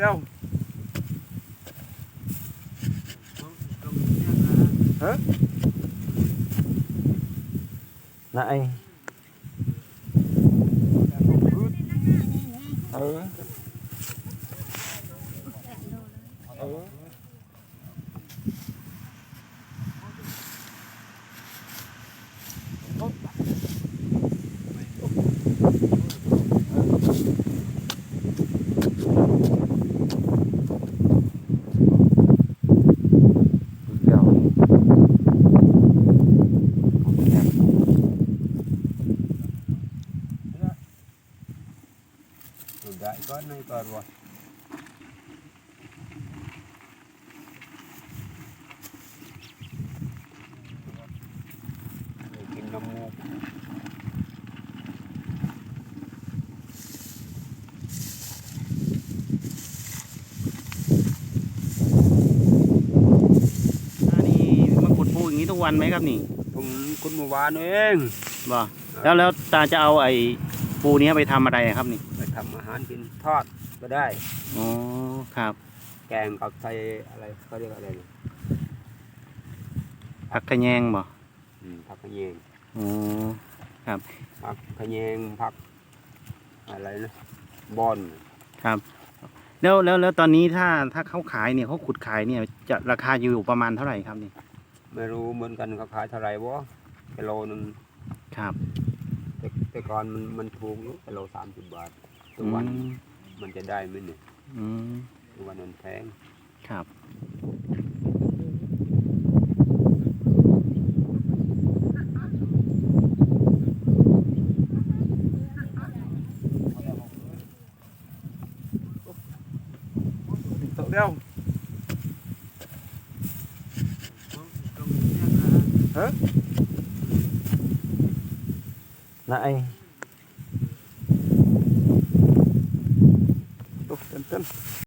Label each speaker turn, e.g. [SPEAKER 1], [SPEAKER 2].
[SPEAKER 1] đeo hả
[SPEAKER 2] Này.
[SPEAKER 1] ừ ừ đại có nơi còn rồiกินน้ำมูก
[SPEAKER 2] นี่มาขุดปูอย่างนี้ทุกวันไหมครับนี่
[SPEAKER 1] ผมคุณเมื่อวานเอง
[SPEAKER 2] บ่แล้วตาจะเอาไอ้ปูนี้ไปทำอะไรครับนี่
[SPEAKER 1] ไปทำอาหารกินทอดก็ได้
[SPEAKER 2] อ๋อครับ
[SPEAKER 1] แกงกับใส่อะไรเขาเรียกอะไรเนี่ย
[SPEAKER 2] ผักขะแยงบ่
[SPEAKER 1] ผักขะแยง
[SPEAKER 2] อ๋อครับ
[SPEAKER 1] ผักขะแยงผักอะไรนะบอน
[SPEAKER 2] ครับแล้วตอนนี้ถ้าเขาขายเนี่ยเขาขุดขายเนี่ยจะราคาอยู่ประมาณเท่าไหร่ครับนี่
[SPEAKER 1] ไม่รู้เหมือนกันเขาขายเท่าไหร่วะกิโลนึง
[SPEAKER 2] ครับ
[SPEAKER 1] แต่ก่อนมันถูกอยู่กิโล30 บาททุกวันมันจะได้ไหมเนี่ย
[SPEAKER 2] อืม
[SPEAKER 1] ทุกวันมันแพง
[SPEAKER 2] ครับ
[SPEAKER 1] đeo hả
[SPEAKER 2] Này.
[SPEAKER 1] Chân chân